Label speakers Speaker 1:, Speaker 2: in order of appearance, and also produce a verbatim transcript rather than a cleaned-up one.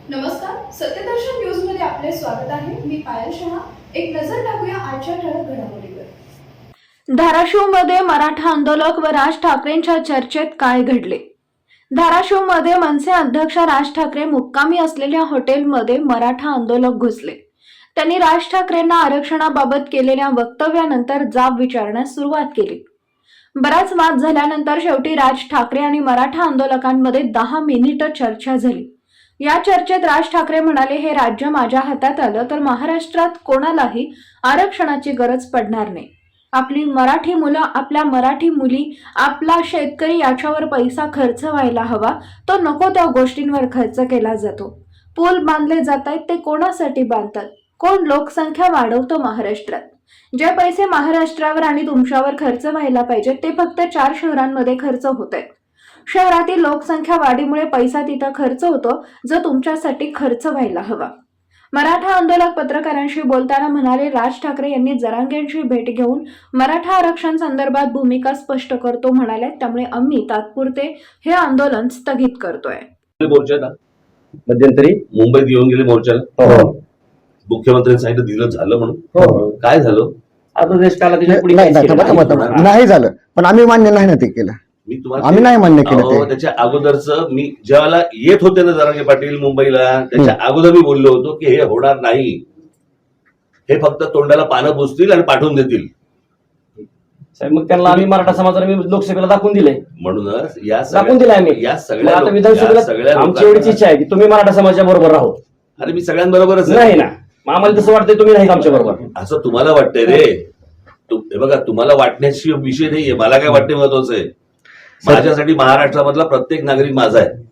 Speaker 1: नमस्कार, सत्यदर्शन न्यूज मध्ये आपले स्वागत आहे. मी पायल शहा. एक नजर टाकूया आजच्या ठळक घडामोडीवर.
Speaker 2: धाराशिवमध्ये मराठा आंदोलक व राज ठाकरेंच्या चर्चेत काय घडले? धाराशिवमध्ये मनसे अध्यक्ष राज ठाकरे मुक्कामी असलेल्या हॉटेलमध्ये मराठा आंदोलक घुसले. त्यांनी राज ठाकरेंना आरक्षणाबाबत केलेल्या वक्तव्यानंतर जाब विचारण्यास सुरुवात केली. बराच वाद झाल्यानंतर शेवटी राज ठाकरे आणि मराठा आंदोलकांमध्ये दहा मिनिटं चर्चा झाली. या चर्चेत राज ठाकरे म्हणाले, हे राज्य माझ्या हातात आलं तर महाराष्ट्रात कोणालाही आरक्षणाची गरज पडणार नाही. आपली मराठी मुलं, आपल्या मराठी मुली, आपला शेतकरी याच्यावर पैसा खर्च व्हायला हवा, तो नको त्या गोष्टींवर खर्च केला जातो. पूल बांधले जात आहेत ते कोणासाठी बांधतात? कोण लोकसंख्या वाढवतो महाराष्ट्रात? जे पैसे महाराष्ट्रावर आणि तुमच्यावर खर्च व्हायला पाहिजे ते फक्त चार शहरांमध्ये खर्च होत आहेत. शहरातील लोकसंख्या वाढीमुळे पैसा तिथं खर्च होतो जो तुमच्यासाठी खर्च व्हायला हवा. मराठा आंदोलक पत्रकारांशी बोलताना म्हणाले, राज ठाकरे यांनी जरांगेंची भेट घेऊन मराठा आरक्षण संदर्भात भूमिका स्पष्ट करतो म्हणाले. त्यामुळे आम्ही तात्पुरते हे आंदोलन स्थगित करतोय.
Speaker 3: मोर्चाला मध्यंतरी मुंबईत येऊन गेले मोर्चाला. मुख्यमंत्र्यांनी सांगितलं दिलं झालं म्हणून. काय झालं?
Speaker 4: आता देश काला त्याच्या पुढे
Speaker 5: नाही
Speaker 4: काहीच
Speaker 5: नाही,
Speaker 4: केलं
Speaker 5: थांबा, थांबा, थांबा. नाही झालं, पण आम्ही मान्य नाही ना ते केलं.
Speaker 3: मी तुम्हाला
Speaker 5: आम्ही नाही मान्य केलं
Speaker 3: अहो,
Speaker 5: ते.
Speaker 3: त्याच्या अगोदरच मी ज्यावेळेला येत होते ना जरांगे पाटील मुंबईला, त्याच्या अगोदर मी बोललो होतो की हे होणार नाही. हे फक्त तोंडाला पानं पुसतील आणि पाठवून देतील.
Speaker 4: साहेब, मग त्यांना आम्ही मराठा समाजाला मी लोकसभेला दाखवून दिले.
Speaker 3: म्हणूनच या
Speaker 4: दाखवून दिले आम्ही.
Speaker 3: या
Speaker 4: मग
Speaker 3: सगळ्या
Speaker 4: आता
Speaker 3: लोक- या
Speaker 4: विधानसभेला
Speaker 3: सगळ्या
Speaker 4: आमची एवढीच
Speaker 3: लोकांना-
Speaker 4: इच्छा आहे की तुम्ही मराठा समाजाच्या बरोबर राहो.
Speaker 3: अरे मी सगळ्यांबरोबरच आहे.
Speaker 4: नाही ना, मग आम्हाला तसं वाटतंय तुम्ही नाही आमच्या बरोबर.
Speaker 3: असं तुम्हाला वाटतंय रे. तु- हे बघा, तुम्हाला वाटण्याची विषय नाहीये. मला काय वाटते महत्वाचं आहे, माझ्यासाठी महाराष्ट्रामधला प्रत्येक नागरिक माझा आहे.